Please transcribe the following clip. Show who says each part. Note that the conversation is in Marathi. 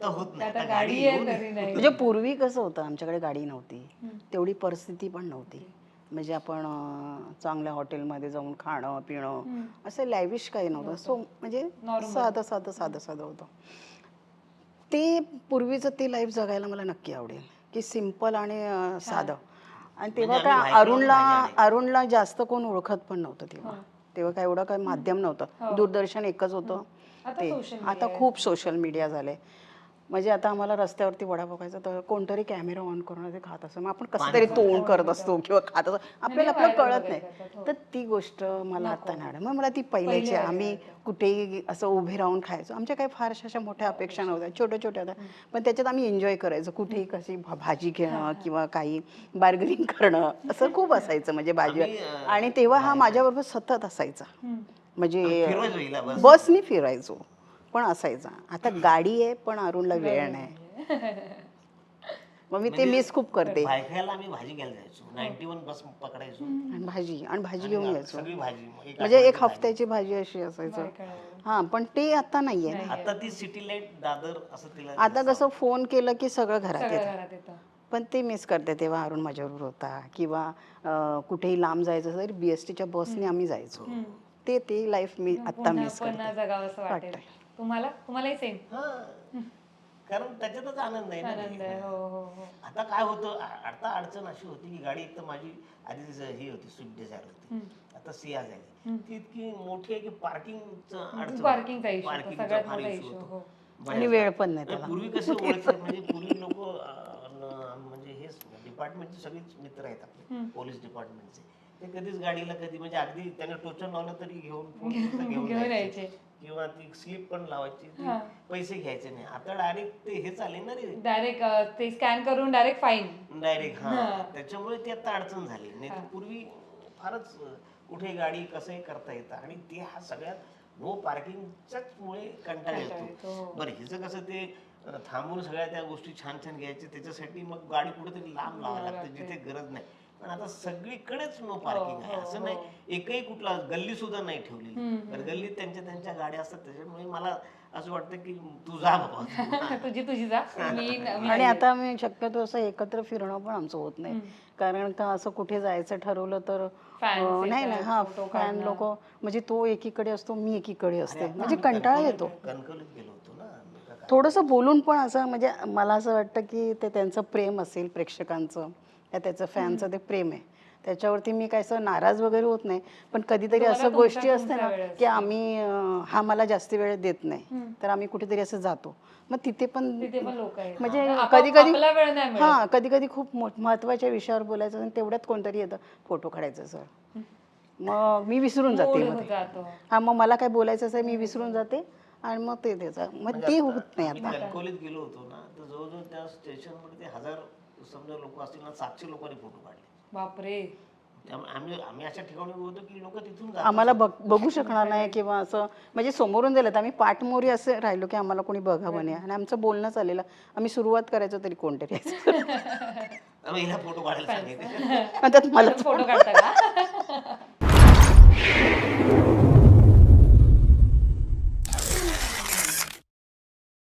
Speaker 1: आता होत नाही,
Speaker 2: आता
Speaker 1: आता
Speaker 2: गाडी आहे तरी नाही.
Speaker 3: म्हणजे पूर्वी कसं होतं, आमच्याकडे गाडी नव्हती, तेवढी परिस्थिती पण नव्हती. म्हणजे आपण चांगल्या हॉटेलमध्ये जाऊन खाणं पिणं असं लॅविश काही नव्हतं. सो म्हणजे साधं साधं साधं साधं होतं. ते पूर्वीचं ते लाईफ जगायला मला नक्की आवडेल, की सिम्पल आणि साधं. आणि तेव्हा
Speaker 1: म्हणजे
Speaker 3: काय
Speaker 1: आम्ही बाईकवरून भाजी आणायचो.
Speaker 3: अरुणला जास्त कोण ओळखत पण नव्हतं तेव्हा. तेव्हा काय एवढं काही माध्यम नव्हतं, दूरदर्शन एकच होतं ते. आता खूप सोशल मीडिया झाले. म्हणजे आता आम्हाला रस्त्यावरती वडापाव खायचा तर कोणतरी कॅमेरा ऑन करून ते खात असं, मग आपण कसं तरी तोंड करत असतो किंवा खात असतो, आपल्याला आपलं कळत नाही. तर ती गोष्ट मला आता नाही आवडत. मग मला ती पहिल्याची, आम्ही कुठेही असं उभे राहून खायचो. आमच्या काही फारशा अशा मोठ्या अपेक्षा नव्हत्या, छोट्या छोट्या होत्या, पण त्याच्यात आम्ही एन्जॉय करायचो. कुठेही कशी भाजी घेणं किंवा काही बार्गेनिंग करणं असं खूप असायचं. म्हणजे भाजी, आणि तेव्हा हा माझ्याबरोबर सतत असायचा. म्हणजे
Speaker 1: फिरवायचो हिला बस.
Speaker 3: बसनी फिरायचो पण असायचा. आता गाडी आहे पण अरुणला वेळ नाही. मग मी ते मिस खूप करते.
Speaker 1: बायकाला आम्ही भाजी घ्यायला जायचो, 91 बस पकडायचो
Speaker 3: आणि भाजी घेऊन यायचो.
Speaker 1: सगळी भाजी,
Speaker 3: म्हणजे एक हफ्त्याची भाजी अशी असायचं. हा, पण ते आता नाहीये ना.
Speaker 1: आता ती सिटी लाईट दादर असं तिला
Speaker 3: आता कसं फोन केलं की सगळं घरात येतं.
Speaker 2: घरात येतं.
Speaker 3: पण ते मिस करते. तेव्हा अरुण माझ्याबरोबर होता, किंवा कुठेही लांब जायचं तर BSTच्या बसने आम्ही जायचो. ते लाईफ मी आता मिस
Speaker 2: पुन्हा
Speaker 3: करते.
Speaker 2: जगावं असं वाटेल. तुम्हालाही सेम
Speaker 1: कारण त्याच्यातच आनंद आहे
Speaker 2: आनंद
Speaker 1: ना.
Speaker 2: आहे. हो हो हो.
Speaker 1: आता काय होतं, आता अडचण अशी होती की गाडी एक तर माझी आधी ही होती, स्विफ्ट डिझायर होती, आता सिया झाली. ती इतकी मोठी आहे की पार्किंगचं अडचण,
Speaker 2: पार्किंगचा इश्यू
Speaker 1: पार्किंगचा
Speaker 2: सगळ्यात
Speaker 1: फार
Speaker 2: मोठा
Speaker 1: इश्यू
Speaker 2: इश्यू.
Speaker 1: होतो.
Speaker 3: आणि वेळ पण नाही
Speaker 1: आणि
Speaker 3: त्याला.
Speaker 1: पूर्वी कसे ओळखले, म्हणजे पूर्वी लोक म्हणजे हे डिपार्टमेंटचे सगळेच मित्र आहेत आपले, पोलीस डिपार्टमेंटचे. ते कधीच गाडीला कधी, म्हणजे अगदी त्याने टोचन लावलं तरी घेऊन
Speaker 2: यायचे.
Speaker 1: किंवा ती स्लिप पण लावायची, ती पैसे घ्यायचे नाही. आता डायरेक्ट ते हे चालेल ना रे,
Speaker 2: डायरेक्ट ते स्कॅन करून डायरेक्ट फाईन.
Speaker 1: डायरेक्ट. हा, त्याच्यामुळे ती आता अडचण झाली. नाही तर पूर्वी फारच कुठे गाडी कसंही करता येतं. आणि ते हा सगळ्यात नो पार्किंगच्याच मुळे कंटाळा येतो. बरं, हिचं कसं ते थांबून सगळ्या त्या गोष्टी छान छान घ्यायच्या, त्याच्यासाठी मग गाडी कुठेतरी लांब लावावी लागते जिथे गरज नाही. पण आता सगळीकडेच नो पार्किंग आहे. असं नाही एकही कुठला गल्ली सुद्धा नाही ठेवलेली. तर गल्लीत त्यांच्या गाड्या असतात. त्याच्यामुळे मला असं वाटतं की तू जा बाबा,
Speaker 2: तुझी जा.
Speaker 3: आणि आता आम्ही शक्यतो असं एकत्र फिरणं पण आमचं होत नाही. कारण का असं कुठे जायचं ठरवलं तर नाही ना, हा, फॅन लोक, म्हणजे तो एकीकडे असतो, मी एकीकडे असते, म्हणजे कंटाळा येतो.
Speaker 1: कणकवलीत गेलो होतो ना
Speaker 3: थोडंसं बोलून पण असं, म्हणजे मला असं वाटतं की ते त्यांचं प्रेम असेल प्रेक्षकांचं, या त्याचं फॅनचं ते प्रेम आहे, त्याच्यावरती मी काय असं नाराज वगैरे होत नाही. पण कधीतरी असं गोष्टी असते ना की आम्ही हा मला जास्त वेळ देत नाही, तर आम्ही कुठेतरी असं जातो. मग तिथे पण
Speaker 2: लोक आहेत.
Speaker 3: म्हणजे कधी कधी कधी कधी खूप महत्वाच्या विषयावर बोलायचं आणि तेवढ्यात कोणतरी येतं फोटो काढायचं सर, मग मी विसरून जाते. हा, मग मला काय बोलायचं असेल मी विसरून जाते आणि मग ते त्याचं मग ते होत नाही आता.
Speaker 1: कणकवलीत गेलो होतो ना, तर जवळजवळ त्या स्टेशनमध्ये 1000 समजा लोक असतील ना, 700 लोकांनी फोटो काढले.
Speaker 2: बापरे.
Speaker 1: त्यामुळे आम्ही अशा ठिकाणी होतो की लोक तिथून
Speaker 3: आम्हाला बघू शकणार नाही किंवा असं, म्हणजे समोरून गेलं तर आम्ही पाठमोरी असे राहिलो की आम्हाला कोणी बघावं नाही. आणि आमचं बोलणं चाललेलं, आम्ही सुरुवात करायचो तरी कोणतरी
Speaker 1: हिला फोटो काढायला सांगितलं.
Speaker 3: मला
Speaker 2: फोटो काढता का?